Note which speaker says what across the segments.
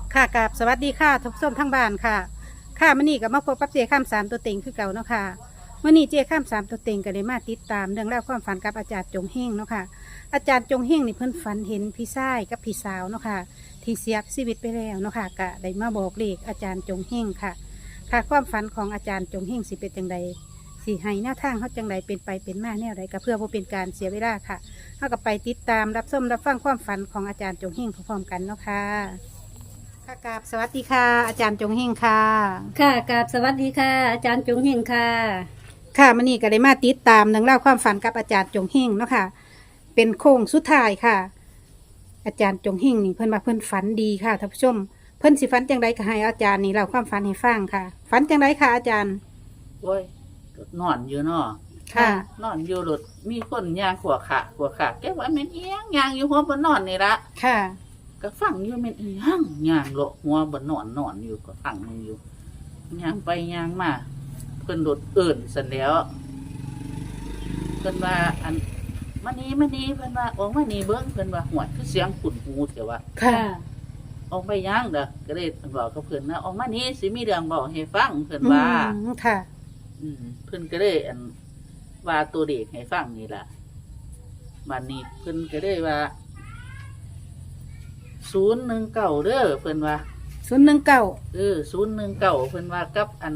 Speaker 1: ค่ะกับสวัสดีค่ะทุกส้ชมทั้งบ้านค่ะค่ะมื่อนี้กับมาพบกับเจข้ามสามตัวเต็งคือเก่าเนาะค่ะมื่อนี้เจข้ามสามตัวเต็งก็เลยมาติดตามเรื่องเล่าวความฝันกับอาจารย์จงเฮงเนาะค่ะอาจารย์จงเฮงนี่เพิ่นฝันเห็นพี่ชายกับพี่สาวเนาะค่ะที่เสียชีวิตไปแล้วเนาะค่ะก็ได้มาบอกเลขอาจารย์จงเฮงค่ะ ค่ะความฝันของอาจารย์จงเฮงสิเป็นจังใดสิให้แนวทางเขาจังใดเป็นไปเป็นมาแนวใดก็เพื่อบ่เป็นการเสียเวลาค่ะเขาก็ไปติดตามรับชมรับฟังความฝันของอาจารย์จงเฮงพร้อมๆกันเนาะค่ะค่ะกราบสวัสดีค่ะ อาจารย์จงเฮงค่ะ
Speaker 2: ค่ะกราบสวัสดีค่ะ อาจารย์จงเฮงค่ะ
Speaker 1: ค่ะมื่อนี้ก็ได้มาติดตามเรื่องเล่าวความฝันกับอาจารย์จงเฮงเนาะค่ะ เป็นโค้งสุดท้ายค่ะ อาจารย์จงเฮงนี่เพิ่นมาเพิ่นฝันดีค่ะท่านผู้ชม เพิ่นสิฝันจังใดก็ให้อาจารย์นี่เล่าความฝันให้ฟังค่ะ ฝันจังใดค่ะอาจารย์
Speaker 3: โอ้ยก็นอนอยู่เนาะ
Speaker 1: ค่ะ
Speaker 3: นอนอยู่รถมีคนย่างขวขาแกว่าแม่นเอียงย่างอยู่หัวบนนอนนี่ละ
Speaker 1: ค่ะ
Speaker 3: ก็ฟังอยู่แม่นเอียงย่างเลาะหัวบนนอนอยู่ก็ฟังอยู่ย่างไปย่างมาเพิ่นรถเอิ่นสันแล้วเพิ่นว่าอันมานี้เพิ่นว่าออกมานี่เบิ่งเพิ่นว่าหวยคือเสียงขุ่นหูแต่ว่า
Speaker 1: ค่ะ
Speaker 3: ออกไปย่างเด้อก็เลยบอกกับเพิ่นนะออกมานี่สิมีเรื่องบอกให้ฟังเพิ่นว่า
Speaker 1: ค่ะ
Speaker 3: เพิ่นก็เลยอันว่าตัวเด็กให้ฟังนี่ล่ะบัดนี้เพิ่นก็เลยว่า019เด้อเพิ่นว่า
Speaker 1: 019
Speaker 3: 019เพิ่นว่ากับอัน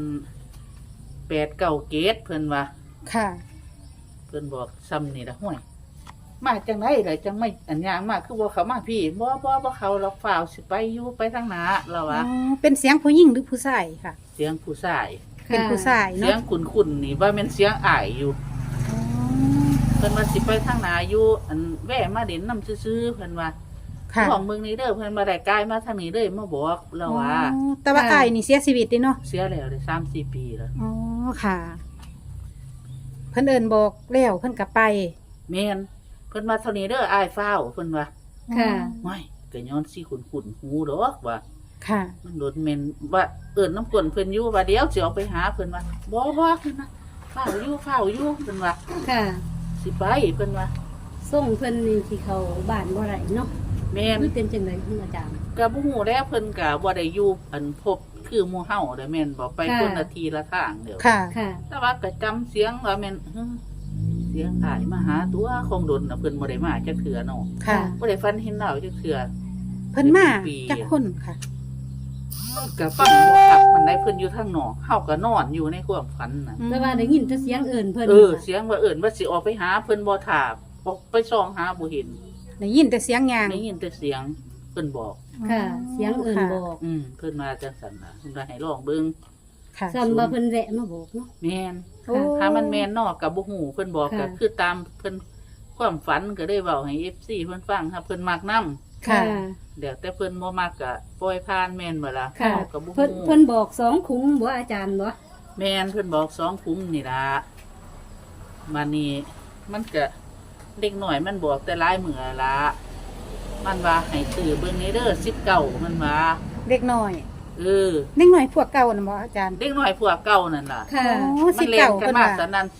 Speaker 3: 897เพิ่นว่า
Speaker 1: ค่ะ
Speaker 3: เพิ่นบอกซ้ำนี่ล่ะห้วยมาจังได๋ล่ะจังไม่อันยางมาคือบ่เข้ามาพี่บ่เข้าหรอกฝ่าวสิไปอยู่ไปทางหน้าแล้ว
Speaker 1: อ๋อ
Speaker 3: ว่า
Speaker 1: เป็นเสียงผู้หญิงหรือผู้ชายค่ะ
Speaker 3: เสียงผู้ชาย
Speaker 1: เป็นผู้ชาย
Speaker 3: เสีย
Speaker 1: เนาะ
Speaker 3: งคุ้นๆนี่ว่าแม่นเสียงอ้ายอยู่
Speaker 1: อ๋อ
Speaker 3: เพิ่นว่าสิไปทางหน้าอยู่อันแว่มาเด่นนำซื่อๆเพิ่นว่า
Speaker 1: ค่ะ
Speaker 3: ของเมืองนี้เด้อเพิ่นมาได้กายมาทางนี้เลยมาบอกเราว่า
Speaker 1: อ๋อแต่ว่าอ้ายนี่เสียชีวิตเด้เนาะ
Speaker 3: เสียแล้วได้3-4 ปีแล้ว
Speaker 1: อ๋อ ค่ะ เพิ่นเอิ้นบอกแล้วเพิ่นก็ไป
Speaker 3: แม่นเพิ่นมาเท่านี้เด้ออ้ายฟ้าวเพิ่นว่า
Speaker 2: ค่ะ
Speaker 3: ไม่ก็ย้อนสิขุนหูดอกว่า
Speaker 1: ค่ะ
Speaker 3: มันโดนแม่นว่าเอิ้นน้ำกลนเพิ่นอยู่ว่าเดี๋ยวสิออกไปหาเพิ่นว่าบ่เพิ่นนะฟ้าวอยู่เพิ่นว่า
Speaker 2: ค่ะ
Speaker 3: สิไปเพิ่นว่า
Speaker 2: ส่งเพิ่นนี่ที่เขาบ้านบ่ไรเนาะ
Speaker 3: แม่น
Speaker 2: คือเป็นจังไดคุณอาจารย์
Speaker 3: ก็บ่ฮู้แล้วเพิ่นก็บ่ได้อยู่อันพบคือหมู่เฮาเด้อแม่นบ่ไป
Speaker 2: ค่ะ
Speaker 3: คนละทีละทางเด้อ
Speaker 1: ค่ะ
Speaker 2: ค่ะ
Speaker 3: แต่ว่าก็จำเสียงว่าแม่นเสียงอ้ายมาหาตัวคงดนน่ะเพิ่นบ่ได้มาจักเทื่อเนาะ
Speaker 1: ค่ะ
Speaker 3: บ่ได้ฝันเห็นดาวจักเทื่อ
Speaker 1: เพิ่นมาจากคนค่ะ
Speaker 3: ก็ฟังบ่คักมันได้เพิ่นอยู่ทางนอกเฮาก็นอนอยู่ในความฝันน่ะ
Speaker 2: แต่ว่าได้ยินแต่เสียงเอิ้นเพิ่น
Speaker 3: เสียงว่าเอิ้นว่าสิออกไปหาเพิ่นบ่ถามออกไปส่องหาบ่เห็น
Speaker 1: ได้ยินแต่เสียงยาง
Speaker 3: ได้ยินแต่เสียงเพิ่นบอก
Speaker 2: ค่ะ เสียงเอิ้นบอก
Speaker 3: เพิ่นมาจังซั่นน่ะเพิ่นว่าให้ลองเบิ่ง
Speaker 1: ค่ะ
Speaker 2: ซ้ำว่าเพิ่นแวะมาบอกเนาะ
Speaker 3: แม่น
Speaker 1: โอ้
Speaker 3: ถ้ามันแม่นเนอกก็บ่ฮู้เพิ่นบอกก็
Speaker 2: ค่ะ
Speaker 3: คือตามเพิ่นความฝันก็ได้เว้าให้ FC เพิ่นฟังถ้าเพิ่นมักนำ
Speaker 1: ค่ะ
Speaker 3: เดี๋ยวแต่เพิ่นบ่มักก็ปล่อยผ่านแม่นบ่ล่ะ
Speaker 2: ค่ะ
Speaker 3: เฮาก็บ่
Speaker 2: เพิ่น
Speaker 3: ฮู้
Speaker 2: เพิ่นบอก2คุ้มบ่อาจารย์บ่
Speaker 3: แม่นเพิ่นบอก2คุ้มนี่ล่ะมานี่มันก็เด็กน้อยมันบอกแต่หลายมื้อละมันว่าให้ซื้อเบิ่งในเด้อ19มันว่า
Speaker 1: เด็กน้อย
Speaker 3: เออ
Speaker 1: เด็กน้อยพวกเก่าน่ะบ่อาจารย์
Speaker 3: เด็กน้อยพวกเก่านั่นล่ะ
Speaker 2: ค่ะ
Speaker 1: โอ้
Speaker 3: มั
Speaker 1: สิ
Speaker 3: นเล่น
Speaker 1: เก่า
Speaker 3: กัน
Speaker 1: เพิ่น
Speaker 3: มา
Speaker 1: ว่า
Speaker 3: ตอนนั้น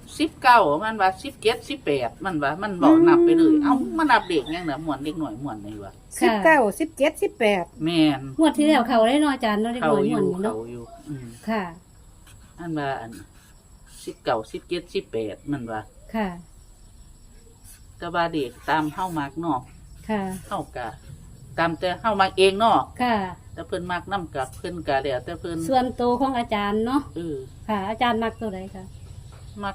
Speaker 3: 19มันว่า17 18มันว่ามันบอกนับไปเลยเอ้ามันนับเด็กยังน่ะม่วนเด็กน้อยม่วนนี่ว่า
Speaker 1: 19 17 18
Speaker 3: แม่น
Speaker 2: งวดที่แล้วเขาได้เนาะอาจารย์เนาะเด็ก
Speaker 3: เขา
Speaker 2: น้อย
Speaker 3: อ
Speaker 2: ม่วน
Speaker 3: ยู่
Speaker 2: นี่เนาะ
Speaker 3: เขาอยู่
Speaker 2: ค่ะ
Speaker 3: อันว่าอัน19 17 18มันว่า
Speaker 2: ค่ะ
Speaker 3: แต่ว่าเด็กตามเฮามักเนาะ
Speaker 2: ค่ะ
Speaker 3: เฮาก็ตามแต่เฮามักเองเนาะ
Speaker 2: ค่ะ
Speaker 3: แต่เพิ่นมักนํกับเพิ่นก็แล้วแต่เพิ่น
Speaker 2: ส่วนโตวของอาจารย์เนาะ
Speaker 3: เออ
Speaker 2: ค่ะ อาจารย์มักตัวใดคะ
Speaker 3: มัก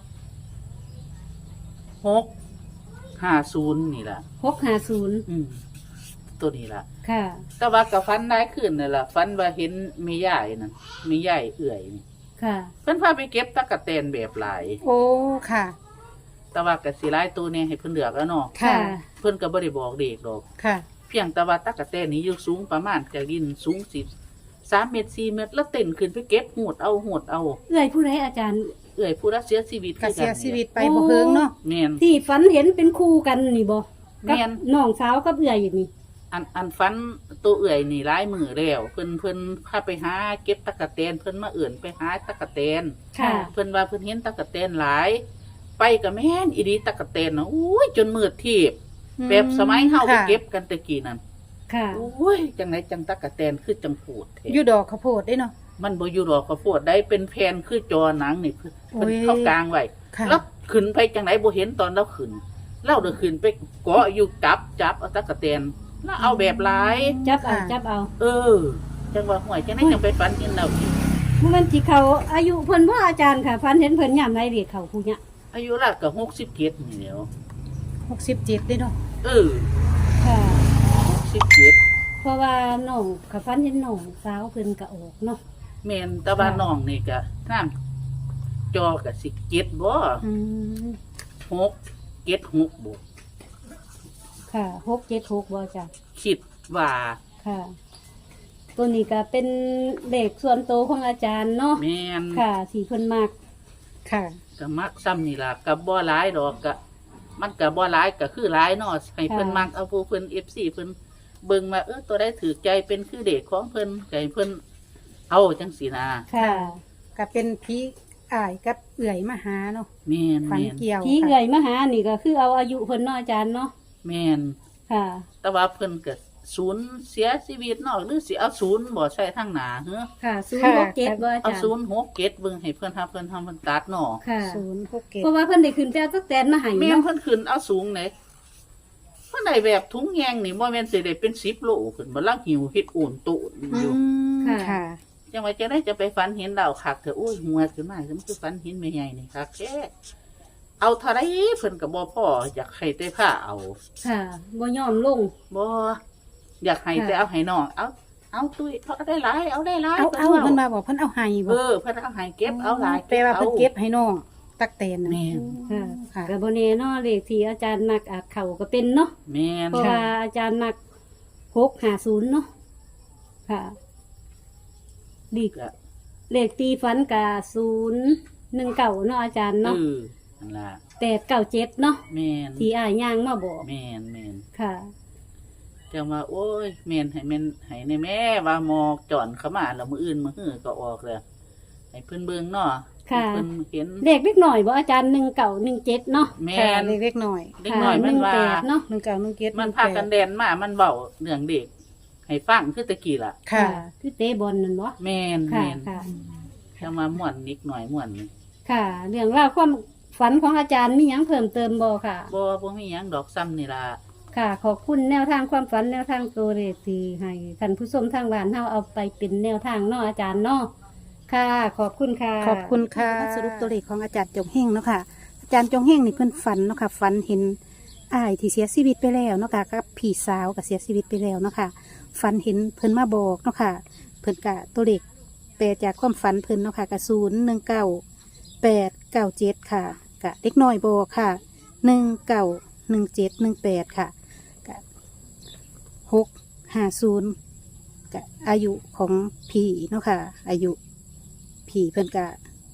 Speaker 3: 650นี่ล่ะ
Speaker 2: 650
Speaker 3: ตัวนี้ล่ะ
Speaker 2: ค่ะ
Speaker 3: แต่ว่าก็ฝันได้ขึ้นนั่นล่ะฝันว่าเห็นแม่ยายนั่นแม่ยายเอื่อยนี่
Speaker 2: ค่ะ
Speaker 3: เพิ่นพาไปเก็บตะกะแตนแบบหลาย
Speaker 1: โอ้ ค่ะ
Speaker 3: แต่ว่าก็สิหลายตัวเนี่ยให้เพิ่นเลือกแล้วเนาะ
Speaker 1: ค่ะ
Speaker 3: เพิ่นก็บ่ได้บอกเด็กดอก
Speaker 1: ค่ะ
Speaker 3: เพียงแต่ว่าตะกะแตนนี้อยู่สูงประมาณจากดินสูง3เมตร4เมตรแล้วเต้นขึ้นไปเก็บหูดเอา
Speaker 2: เอื้อยผู้ใดอาจารย์
Speaker 3: เอื่อยผู้รักเสียชีวิต
Speaker 1: ก็
Speaker 3: คือ
Speaker 1: เสีย
Speaker 3: กัน
Speaker 1: ชีวิต
Speaker 3: นี่
Speaker 1: ไปบ่เฮิงเนาะ
Speaker 3: แม่น
Speaker 2: ที่ฝันเห็นเป็นคู่กันนี่บ่
Speaker 3: แม่น
Speaker 2: กับน้องสาวกับเอื้อยอยู่นี่
Speaker 3: อันฝันตัวเอื่อยนี่หลายมือแล้วเพิ่นพาไปหาเก็บตะกะแตนเพิ่นมาเอื่นไปหาตะกะแตน
Speaker 2: ค่ะ
Speaker 3: เพิ่นว่าเพิ่นเห็นตะกะแตนหลาย ไปก็แม่นอีดีตะกะแตนน่ะอุ้ยจนมืดทีบแบบสมัยเฮาไปเก็บกันแตะกี้นั่น
Speaker 2: ค่ะ
Speaker 3: โอ้ยจังไหนจังตักกะแตนคือจังพูดแท้
Speaker 1: อยู่ดอกข้าวโพดได้เนาะ
Speaker 3: มันบ่อยู่ดอกข้าวโพดได้เป็นแผ่นคือจอหนังนี่เพิ่น
Speaker 1: โอ้ย
Speaker 3: เข้ากลางไว้
Speaker 1: ค่ะ
Speaker 3: แล้วขึ้นไปจังไหนบ่เห็นตอนเราขึ้นเราเดินขึ้นไปเกาะอยู่จับเอาตักกะแตนแล้วเอาแบบหลาย
Speaker 2: จับเอา
Speaker 3: เออจังว่าห่วยจังไหนจังไปฝันเห็นเราอีก
Speaker 2: มันสิเขาอายุเพิ่นบ่อาจารย์ค่ะฟันเห็นเพิ่นยามใดเรียกเขาผู้เนี้ย
Speaker 3: อายุราวก็67นี่แหล้ว
Speaker 1: 67ได้เนาะ
Speaker 3: เออ
Speaker 2: ค่ะ
Speaker 3: 67
Speaker 2: เพราะว่าน้องกับฟันเห็นน้องสาวเพิ่นก็ออกเนาะ
Speaker 3: แม่นแตะบ้านน้องนี่ก็น้ำจอก็สิ7บ่
Speaker 1: อืม
Speaker 3: 6 76บ่
Speaker 2: ค่ะ676บ่จ้ะ
Speaker 3: คิดว่า
Speaker 2: ค่ะ ตัวนี้ก็เป็นเลขส่วนโตวของอาจารย์เนาะ
Speaker 3: แม่น
Speaker 2: ค่ะสีเพิ่นมาก
Speaker 1: ค่ะ
Speaker 3: ก็มักซ้ำนี่ล่ะก็บ่หลายดอกก็มันก็บ่หลายก็คือหลายเนาะให้เพิ่นมักเอาผู้เพิ่น FC เพิ่นเบิ่งมาตัวใดถือใจเป็นคือเด็กของเพิ่นก็ให้เพิ่นเอาจังซี่นะ
Speaker 2: ค่ะ
Speaker 1: ก็เป็นพี่อ้ายกับเอื่อยมาหาเนาะ
Speaker 3: แม่น
Speaker 1: ฝัน
Speaker 3: แม่น
Speaker 1: เกี่ยว
Speaker 2: ที่
Speaker 1: ค่ะ
Speaker 2: เอื่อยมาหานี่ก็คือเอาอายุเพิ่นเนาะอาจารย์เนาะ
Speaker 3: แม่น
Speaker 2: ค่ะ
Speaker 3: แต่ว่าเพิ่นก็ศูนย์เสียชีวิตเนาะหรือสิเอาศูนย์บ่ใช่ทางหน้าเฮ้อ
Speaker 2: ค่ะ067บ่อา
Speaker 3: เอา
Speaker 2: จารย์
Speaker 3: ศูนย์6 7เบิ่งให้เพิ่นหาเพิ่นทำเพิ่นตัดเนาะ
Speaker 2: ค่ะ
Speaker 1: 067
Speaker 2: เพราะว่าเพิ่นได้ขึ้นไปเอาตักแตนมาให้
Speaker 3: แม่น
Speaker 2: เนาะ
Speaker 3: เพิ่นขึ้นเอาสูงไหนเพิ่นได้แบบถุงแยงนี่บ่แม่นสิได้เป็น10 โลขึ้นบ่ลังหิวเฮ็ดโอนโตนอยู่
Speaker 1: ค่ะ
Speaker 3: จังว่าจะได้จะไปฝันเห็นดาวคักเถอะโอ้ยหัวขึ้นมามันคือฝันเห็นแม่ใหญ่นี่คักแท้เอาเท่าไรเพิ่นก็บ่พออยากให้แต่ผ้าเอา
Speaker 2: ค่ะบ่ยอมลง
Speaker 3: บ่อยากให้แต่เอาให้น้องเอาตุ้ยเอาได้หลายเอาได้หลาย
Speaker 1: เอา
Speaker 3: พิ่
Speaker 1: เพิ่นมาบอกเพิ่นเอาให้บ่
Speaker 3: เพิ่นเอาให้เก็บเอาหลาย
Speaker 1: แปลว่าเพิ่นเก็บให้น้องตักแตนน่ะ
Speaker 3: แม่น
Speaker 2: ค่ะ
Speaker 1: ค่ะ
Speaker 2: ก็บ่แน่เนาะเลขที่อาจารย์มักอาจเข้าก็เป็นเนาะ
Speaker 3: แม่น
Speaker 2: เพราะว่าอาจารย์มัก650เนาะค่ะดี
Speaker 3: ก็
Speaker 2: เลขตีฟันกะ019เนาะอาจารย์เนาะ
Speaker 3: นั่นล่ะ
Speaker 2: 897เนาะ
Speaker 3: แม่น
Speaker 2: ที่อ้ายย่างมาบอก
Speaker 3: แม่นแม่น
Speaker 2: ค่ะ
Speaker 3: จังว่าโอ้ยแม่นให้ในแม่ว่าหมอกจอนเข้ามาแล้วมื้ออื่นมื้อฮื้อก็ออกแล้วให้เพิ่นเบิ่งเนาะ
Speaker 2: ค่ะ
Speaker 3: ให้เพิ่นเห็น
Speaker 2: เลขเล็กหน่อยบ่อาจารย์1917เนาะ
Speaker 3: แม่
Speaker 1: ค่ะ
Speaker 3: น
Speaker 1: เล็กๆหน่อย
Speaker 3: เด็กน้อยมันว่า
Speaker 2: 18เนาะ
Speaker 1: 1917
Speaker 3: มันพากันแดนมามันเว้าเรื่องเด็ก ให้ฟังคือตะกี้ล่ะ
Speaker 1: ค่ะ
Speaker 2: คือเตะบอลนั่นบ่
Speaker 3: แม่น
Speaker 2: ค่ะ
Speaker 3: แม่น
Speaker 2: ค่ะ
Speaker 3: จะมาม่วนนิดหน่อยม่วนนี่
Speaker 2: ค่ะ เรื่องราวความฝันของอาจารย์มีหยังเพิ่มเติมบ่ค่ะ
Speaker 3: บ่มีหยังดอกซ้ำนี่ล่ะ
Speaker 2: ค่ะ ขอบคุณแนวทางความฝันแนวทางตัวเลขที่ให้ท่านผู้ชมทางบ้านเฮาเอาไปเป็นแนวทางเนาะอาจารย์เนาะค่ะ ขอบคุณค่ะ
Speaker 1: ขอบคุณค่ะสรุปตัวเลขของอาจารย์จงเฮงเนาะค่ะ อาจารย์จงเฮงนี่เพิ่นฝันเนาะค่ะฝันเห็นอ้ายที่เสียชีวิตไปแล้วเนาะค่ะกับพี่สาวก็เสียชีวิตไปแล้วเนาะค่ะฝันเห็นเพิ่นมาบอกเนาะค่ะ เพิ่นกะตัวเลขแปลจากความฝันเพิ่นเนาะค่ะกะ019 897ค่ะกะเด็กน้อยบอกค่ะ191718ค่ะกะ650กะอายุของพี่เนาะค่ะ อายุพี่เพิ่นกะ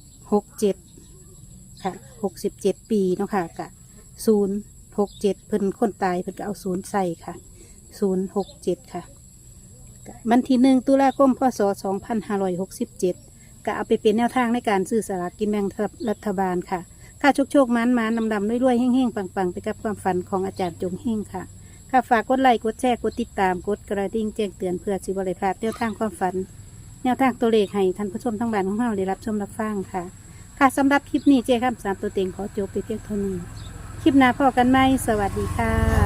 Speaker 1: 67ค่ะ67 ปีเนาะค่ะกะ067เพิ่นคนตายเพิ่นก็เอา0ใส่ค่ะ067ค่ะวันที่1 ตุลาคม พศ 2567ก็เอาไปเป็นแนวทางในการซื้อสลากกินแบ่งรัฐบาลค่ะค่าโชคๆมันดำๆรวยๆเฮ่งๆปังๆไปกับความฝันของอาจารย์จงเฮงค่ะค่ะฝากกดไลค์กดแชร์กดติดตามกดกระดิ่งแจ้งเตือนเพื่อสิบริพลาดแนวทางความฝัน แนวทางตัวเลขให้ท่านผู้ชมทั้งบ้านของเราได้รับชมรับฟังค่ะ ค่ะสำหรับคลิปนี้เจ้าข้ามสามตัวเต็งขอจบไปเพียงเท่านี้คลิปหน้าพอกันไหมสวัสดีค่ะ